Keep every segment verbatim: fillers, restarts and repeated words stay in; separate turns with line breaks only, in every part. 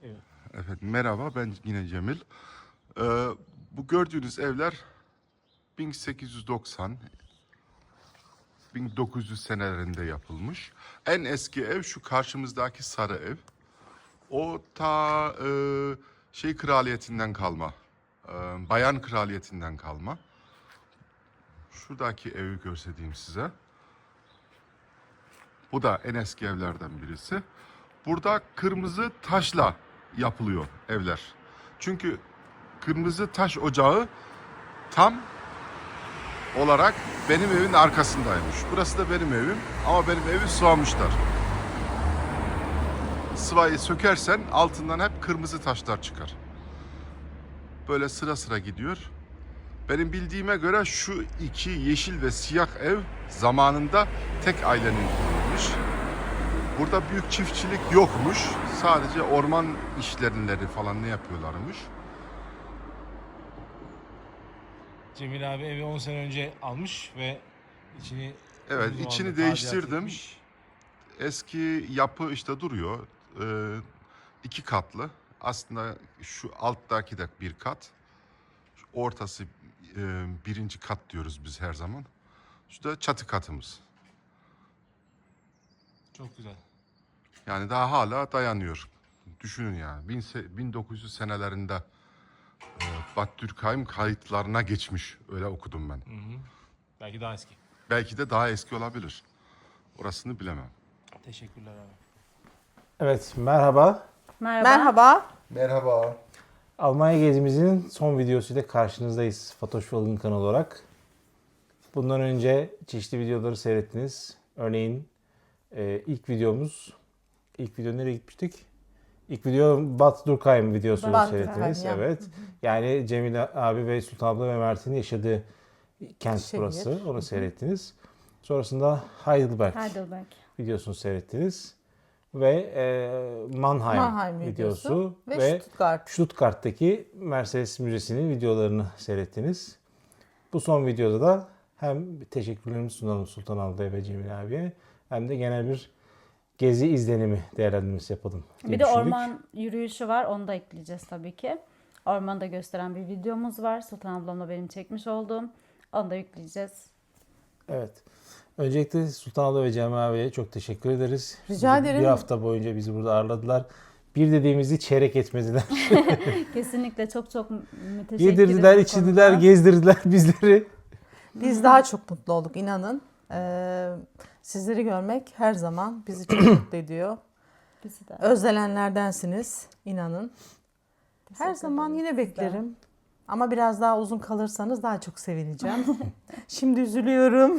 Evet.
Evet, merhaba, ben yine Cemil. Ee, bu gördüğünüz evler bin sekiz yüz doksan bin dokuz yüz senelerinde yapılmış. En eski ev şu karşımızdaki sarı ev. O ta e, şey kraliyetinden kalma, e, Bayan kraliyetinden kalma. Şuradaki evi göstereyim size. Bu da en eski evlerden birisi. Burada kırmızı taşla yapılıyor evler. Çünkü kırmızı taş ocağı tam olarak benim evin arkasındaymış. Burası da benim evim ama benim evi sıvamışlar. Sıvayı sökersen altından hep kırmızı taşlar çıkar. Böyle sıra sıra gidiyor. Benim bildiğime göre şu iki yeşil ve siyah ev zamanında tek ailenin kurulmuş. Burada büyük çiftçilik yokmuş. Sadece orman işlerini falan ne yapıyorlarmış.
Cemil abi evi on sene önce almış ve içini
Evet,
uzun
içini
zamandır
değiştirdim.
tadilat etmiş.
Eski yapı işte duruyor. Ee, iki katlı. Aslında şu alttaki de bir kat. Şu ortası e, birinci kat diyoruz biz her zaman. Şu da çatı katımız.
Çok güzel.
Yani daha hala dayanıyor. Düşünün yani. bin, bin dokuz yüz senelerinde e, Bad Dürkheim kayıtlarına geçmiş. Öyle okudum ben.
Hı hı. Belki daha eski.
Belki de daha eski olabilir. Orasını bilemem.
Teşekkürler abi.
Evet, merhaba.
Merhaba.
Merhaba.
Merhaba.
Almanya gezimizin son videosuyla karşınızdayız Fatoş Yolun kanalı olarak. Bundan önce çeşitli videoları seyrettiniz. Örneğin e, ilk videomuz, ilk video nereye gitmiştik? İlk video Bad Dürkheim videosunu
Bad
seyrettiniz.
Dürkheim, ya.
Evet. Yani Cemil abi ve Sultan abla ve Mert'in yaşadığı kent
Şehir.
burası. Onu seyrettiniz. Sonrasında Heidelberg
Heidelberg.
videosunu seyrettiniz. Ve e, Mannheim,
Mannheim
videosu,
videosu ve,
ve
Stuttgart.
Stuttgart'taki Mercedes Müzesi'nin videolarını seyrettiniz. Bu son videoda da hem teşekkürlerimi sunalım Sultan ablaya ve Cemil abiye hem de genel bir gezi izlenimi değerlendirmesi yapalım diye
Bir de
düşündük.
orman yürüyüşü var. Onu da ekleyeceğiz tabii ki. Ormanı da gösteren bir videomuz var. Sultan ablamla benim çekmiş olduğum. Onu da yükleyeceğiz.
Evet. Öncelikle Sultan abla ve Cemil abiye çok teşekkür ederiz.
Rica
Bizi
ederim.
Bir hafta boyunca bizi burada ağırladılar. Bir dediğimizi çeyrek etmediler.
Kesinlikle çok çok müteşekkiriz.
Yedirdiler,
bu
içirdiler,
konuda.
gezdirdiler bizleri.
Biz daha çok mutlu olduk inanın. Ee, sizleri görmek her zaman bizi çok mutlu ediyor.
Bizi de.
Özlenenlerdensiniz inanın. Her
Teşekkür
zaman
ederiz
yine
sizden.
beklerim. Ama biraz daha uzun kalırsanız daha çok sevineceğim. Şimdi üzülüyorum.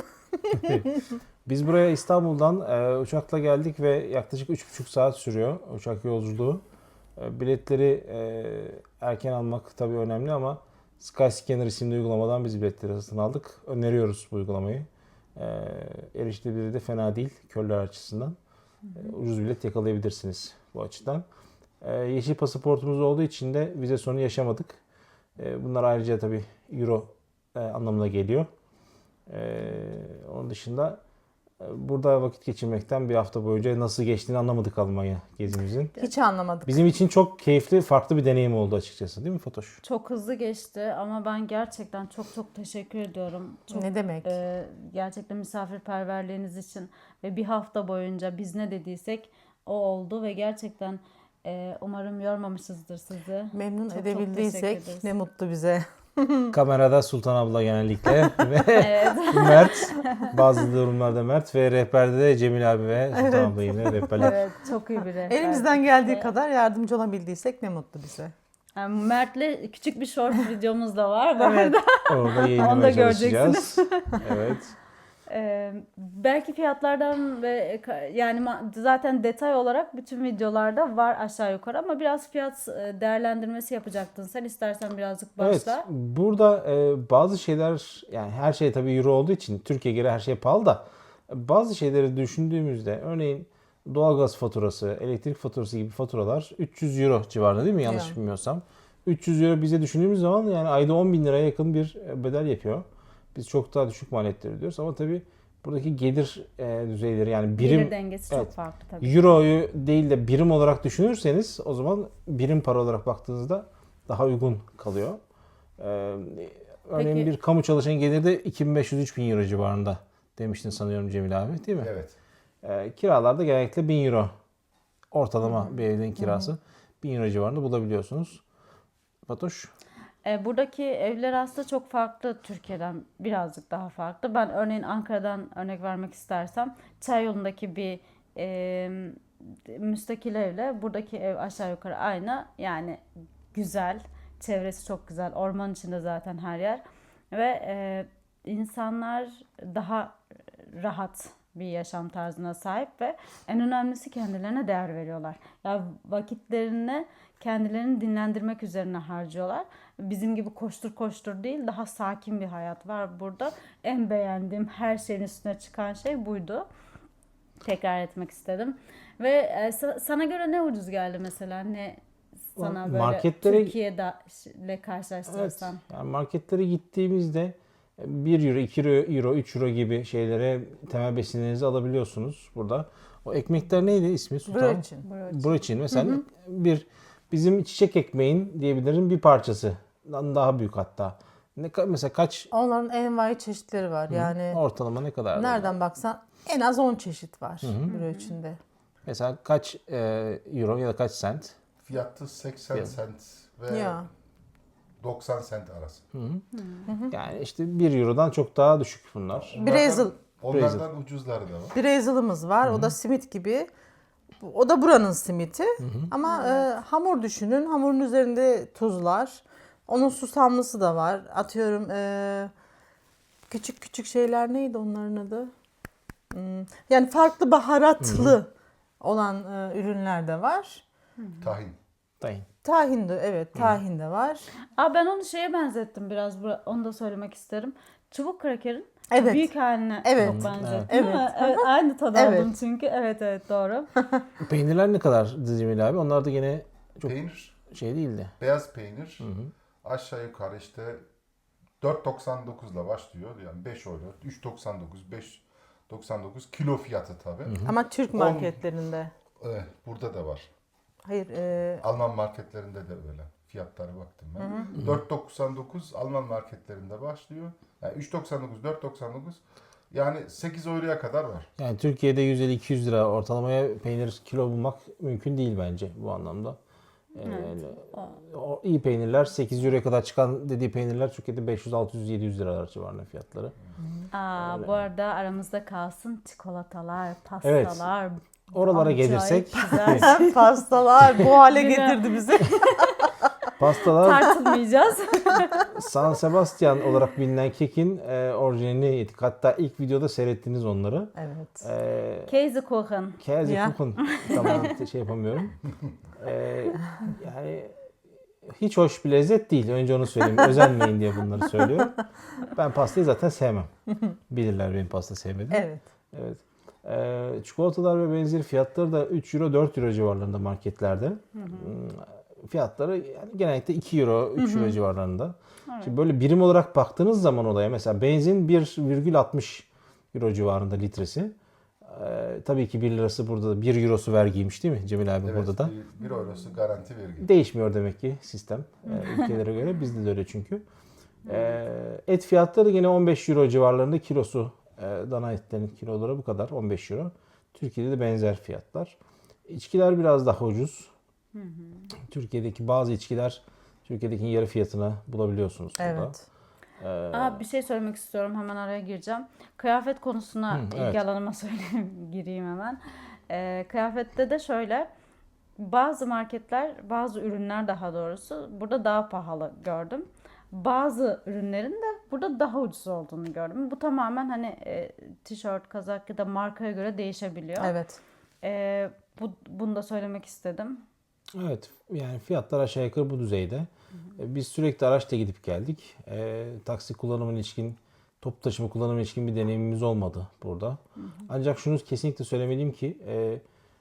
Biz buraya İstanbul'dan e, uçakla geldik ve yaklaşık üç buçuk saat sürüyor uçak yolculuğu. E, biletleri e, erken almak tabii önemli ama Skyscanner isimli uygulamadan biz biletleri satın aldık. Öneriyoruz bu uygulamayı. E, erişilebilirliği de fena değil körler açısından. E, ucuz bilet yakalayabilirsiniz bu açıdan. E, yeşil pasaportumuz olduğu için de vize sorunu yaşamadık. E, bunlar ayrıca tabii euro e, anlamına geliyor. E, onun dışında burada vakit geçirmekten bir hafta boyunca nasıl geçtiğini anlamadık Almanya gezimizin.
Hiç anlamadık.
Bizim için çok keyifli, farklı bir deneyim oldu açıkçası değil mi Fatoş?
Çok hızlı geçti ama ben gerçekten çok çok teşekkür ediyorum. Çok,
Ne demek?
e, gerçekten misafirperverliğiniz için ve bir hafta boyunca biz ne dediysek o oldu ve gerçekten e, umarım yormamışızdır sizi.
Memnun
Çok çok
edebildiysek
teşekkür ederiz.
ne mutlu bize.
Kamerada Sultan abla genellikle ve
Evet.
Mert, bazı durumlarda Mert ve rehberde de Cemil abi ve Sultan abla yine rehberler.
Evet, çok iyi bir rehber.
Elimizden geldiği kadar yardımcı olabildiysek ne mutlu bize.
Yani Mert'le küçük bir short videomuz da var bu
Evet.
arada.
Orada
Onu da
yayınlamaya
göreceksiniz.
çalışacağız. Evet.
Ee, belki fiyatlardan ve yani ma- zaten detay olarak bütün videolarda var aşağı yukarı ama biraz fiyat e, değerlendirmesi yapacaktın. Sen istersen birazcık başla.
Evet, burada e, bazı şeyler, yani her şey tabii euro olduğu için Türkiye'ye göre her şey pahalı da bazı şeyleri düşündüğümüzde örneğin doğalgaz faturası, elektrik faturası gibi faturalar üç yüz euro civarında değil mi? Yanlış
Yani.
bilmiyorsam. üç yüz euro bize düşündüğümüz zaman yani ayda on bin liraya yakın bir bedel yapıyor. Biz çok daha düşük maliyetler ödüyoruz ama tabii buradaki gelir e, düzeyleri yani birim
Gelir dengesi çok
evet.
farklı tabii.
Euro'yu değil de birim olarak düşünürseniz o zaman birim para olarak baktığınızda daha uygun kalıyor. Ee, örneğin
Peki.
bir kamu çalışan geliri de iki bin beş yüz üç bin euro civarında demiştin sanıyorum Cemil abi değil mi?
Evet.
Ee, kiralarda genellikle bin euro ortalama bir evin kirası bin euro civarında bulabiliyorsunuz. Fatoş?
E, buradaki evler aslında çok farklı, Türkiye'den birazcık daha farklı. Ben örneğin Ankara'dan örnek vermek istersem Çayyolu'ndaki bir e, müstakil evle buradaki ev aşağı yukarı aynı. Yani güzel, çevresi çok güzel, orman içinde zaten her yer ve e, insanlar daha rahat bir yaşam tarzına sahip ve en önemlisi kendilerine değer veriyorlar. Ya vakitlerini kendilerini dinlendirmek üzerine harcıyorlar. Bizim gibi koştur koştur değil, daha sakin bir hayat var burada. En beğendiğim, her şeyin üstüne çıkan şey buydu. Tekrar etmek istedim. Ve e, sa- sana göre ne ucuz geldi mesela? Ne sana böyle
Marketlere-
Türkiye'de ile
Evet.
karşılaştırırsan?
Yani marketlere gittiğimizde bir euro, iki euro, üç euro gibi şeylere temel besinlerinizi alabiliyorsunuz burada. O ekmekler neydi ismi? Sultan?
Brötchen.
Brötchen mesela bir bizim çiçek ekmeğin diyebilirim bir parçası. Daha büyük hatta. Ne ka- mesela kaç
Onların envai çeşitleri var. Yani
ortalama ne kadar?
nereden baksan en az on çeşit var brötchende.
Mesela kaç e, euro ya da kaç sent?
Fiyatı seksen
Fiyat.
sent ve
Ya.
doksan sent arası.
Yani işte bir eurodan çok daha düşük bunlar.
Brezel.
Onlardan ucuzları da var.
Brezel'ımız var. O da simit gibi. O da buranın simiti. Ama e, hamur düşünün. Hamurun üzerinde tuzlar. Onun susamlısı da var. Atıyorum e, küçük küçük şeyler neydi onların adı? Hmm, Yani farklı baharatlı olan e, ürünler de var.
Tahin.
Tayin.
Tahin de evet tahin de var.
Aa, ben onu şeye benzettim biraz. bu- Onu da söylemek isterim. Çubuk krakerin
Evet.
büyük haline
Evet.
çok benzettim.
Evet.
Değil mi? Evet, aynı tadı
Evet.
aldım çünkü. Evet evet doğru.
Peynirler ne kadar Cemil abi? Onlar da yine çok
Peynir,
şey değildi.
beyaz peynir aşağı yukarı işte dört doksan dokuzla başlıyor. Yani beş euro, üç doksan dokuz, beş doksan dokuz kilo fiyatı tabii.
Ama Türk
On-
marketlerinde.
Evet, burada da var.
Hayır. e,
Alman marketlerinde de öyle. Fiyatlara baktım ben. dört doksan dokuz Alman marketlerinde başlıyor. Yani üç doksan dokuz, dört doksan dokuz yani sekiz euroya kadar var.
Yani Türkiye'de yüz elli iki yüz lira ortalamaya peynir kilo bulmak mümkün değil bence bu anlamda. Ee, o iyi peynirler sekiz euroya kadar çıkan dediği peynirler Türkiye'de beş yüz altı yüz yedi yüz liralar civarında fiyatları.
Aa, bu arada aramızda kalsın çikolatalar, pastalar.
Oralara
acayip
gelirsek
güzel.
pastalar bu hale
Yine-
getirdi bizi.
pastalar
Tartılmayacağız.
San Sebastian olarak bilinen kekin e, orijinalini yedik. Hatta ilk videoda seyrettiniz onları.
Evet.
E,
Käsekuchen.
Käsekuchen. Tamam şey yapamıyorum. E, yani hiç hoş bir lezzet değil. Önce onu söyleyeyim. Özenmeyin diye bunları söylüyorum. Ben pastayı zaten sevmem. Bilirler benim pasta sevmediğimi.
Evet.
Evet. Ee, çikolatalar ve benzeri fiyatları da üç euro dört euro civarlarında marketlerde. Hmm, Fiyatları yani genellikle iki euro üç euro civarlarında. Şimdi böyle birim olarak baktığınız zaman olaya mesela benzin bir virgül altmış euro civarında litresi. Ee, tabii ki bir lirası burada da bir eurosu vergiymiş değil mi Cemil abi
Evet,
burada da?
bir, bir eurosu garanti vergi.
Değişmiyor demek ki sistem e, ülkelere göre. Bizde de öyle çünkü. E, et fiyatları yine on beş euro civarlarında kilosu. E, dana etlerin kiloları bu kadar on beş euro. Türkiye'de de benzer fiyatlar. İçkiler biraz daha ucuz. Türkiye'deki bazı içkiler Türkiye'deki yarı fiyatına bulabiliyorsunuz burada.
Evet.
Aa, bir şey söylemek istiyorum. Hemen araya gireceğim. Kıyafet konusuna
Hı,
ilgi
evet.
alanıma söyleyeyim, gireyim hemen. Ee, kıyafette de şöyle. Bazı marketler, bazı ürünler daha doğrusu burada daha pahalı gördüm. Bazı ürünlerin de burada daha ucuz olduğunu gördüm. Bu tamamen hani e, tişört, kazak ya da markaya göre değişebiliyor.
Evet.
Ee, bu, bunu da söylemek istedim.
Evet, yani fiyatlar aşağı yukarı bu düzeyde. E, Biz sürekli araçla gidip geldik. E, taksi kullanımına ilişkin, toplu taşıma kullanımına ilişkin bir deneyimimiz olmadı burada. Ancak şunu kesinlikle söylemeliyim ki e, e,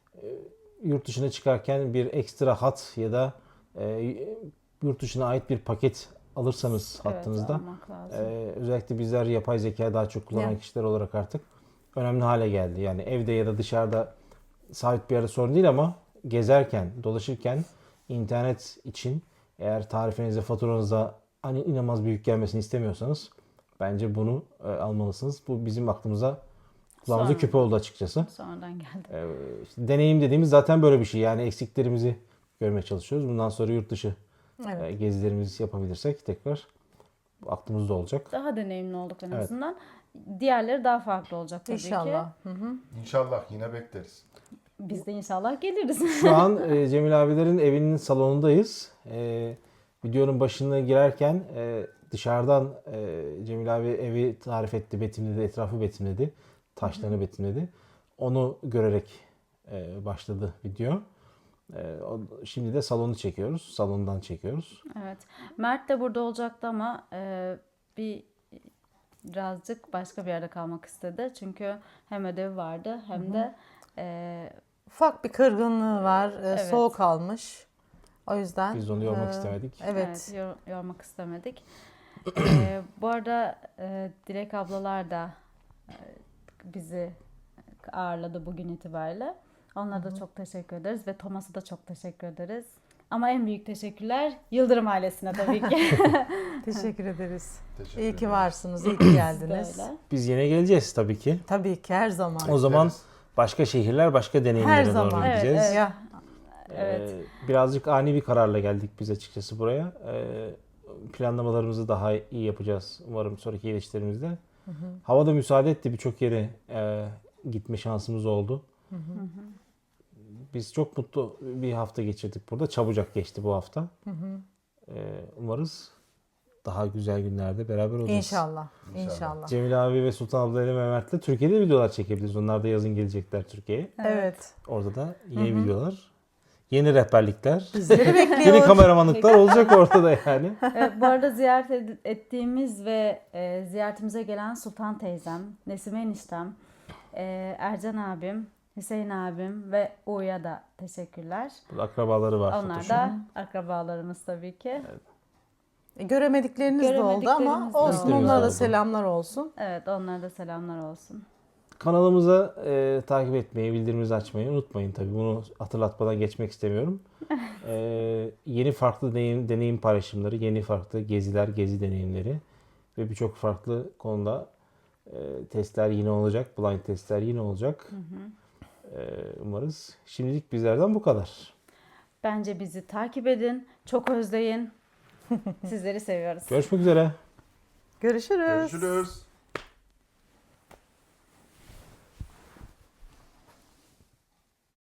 yurt dışına çıkarken bir ekstra hat ya da e, yurt dışına ait bir paket alırsanız
Evet,
hattınızda
almak lazım.
e, özellikle bizler yapay zeka daha çok kullanan
Ya.
kişiler olarak artık önemli hale geldi. Yani evde ya da dışarıda sabit bir yerde sorun değil ama gezerken, dolaşırken internet için eğer tarifenize, faturanıza hani inanılmaz büyük gelmesini istemiyorsanız bence bunu e, almalısınız. Bu bizim aklımıza kulağımıza
Sonra.
küpe oldu açıkçası.
Sonradan geldi.
E, işte deneyim dediğimiz zaten böyle bir şey. Yani eksiklerimizi görmeye çalışıyoruz. Bundan sonra yurt dışı
Evet.
e, gezilerimizi yapabilirsek tekrar aklımızda olacak.
Daha deneyimli olduk en
Evet.
azından. Diğerleri daha farklı olacak tabii ki.
İnşallah. Hı hı.
İnşallah yine bekleriz.
Biz de inşallah geliriz.
Şu an e, Cemil abilerin evinin salonundayız. E, videonun başına girerken e, dışarıdan e, Cemil abi evi tarif etti, betimledi, etrafı betimledi, taşlarını betimledi. Onu görerek e, başladı video. E, o- şimdi de salonu çekiyoruz, salondan çekiyoruz.
Evet. Mert de burada olacaktı ama e, bir birazcık başka bir yerde kalmak istedi. Çünkü hem ödevi vardı hem de e,
Ufak bir kırgınlığı var. Ee,
Evet.
Soğuk almış. O yüzden.
Biz de onu yormak
e,
istemedik.
Evet.
evet, yor- yormak istemedik. E, bu arada e, Dilek ablalar da e, bizi ağırladı bugün itibariyle. Onlara da çok teşekkür ederiz ve Thomas'a da çok teşekkür ederiz. Ama en büyük teşekkürler Yıldırım ailesine tabii ki.
Teşekkür ederiz.
Teşekkür
İyi ki
ederim.
varsınız. iyi ki geldiniz.
Böyle.
Biz yine geleceğiz tabii ki.
Tabii ki her zaman.
O zaman
Bekleriz.
başka şehirler, başka deneyimlere
Her
doğru
zaman.
Evet,
gideceğiz.
evet.
Ya,
Evet.
Ee, birazcık ani bir kararla geldik biz açıkçası buraya. Ee, planlamalarımızı daha iyi yapacağız umarım sonraki gelişlerimizde. Hava da müsaade etti, birçok yere e, gitme şansımız oldu. Biz çok mutlu bir hafta geçirdik burada. Çabucak geçti bu hafta. Ee, umarız daha güzel günlerde beraber olacağız.
İnşallah. İnşallah.
Cemil abi ve Sultan abla ile Mehmet'le Türkiye'de videolar çekebiliriz. Onlar da yazın gelecekler Türkiye'ye.
Evet.
Orada da yeni videolar, yeni rehberlikler,
Bizleri
yeni
bekliyor.
kameramanlıklar olacak orada da yani.
Evet, bu arada ziyaret ed- ettiğimiz ve e, ziyaretimize gelen Sultan teyzem, Nesime eniştem, e, Ercan abim, Hüseyin abim ve Uğur'a da teşekkürler.
Burada akrabaları var.
Onlar
Fatoş'un.
da akrabalarımız tabii ki.
E, Göremedikleriniz de oldu ama
Göremediklerimiz de
olsun.
oldu.
Onlara da
Oldu.
selamlar olsun.
Evet, onlara da selamlar olsun.
Kanalımıza e, takip etmeyi, bildirimimizi açmayı unutmayın tabii. Bunu hatırlatmadan geçmek istemiyorum. E, yeni farklı deneyim, deneyim paylaşımları, yeni farklı geziler, gezi deneyimleri ve birçok farklı konuda e, testler yine olacak. Blind testler yine olacak. E, umarız. Şimdilik bizlerden bu kadar.
Bence bizi takip edin, çok özleyin. Sizleri seviyoruz.
Görüşmek üzere.
Görüşürüz.
Görüşürüz.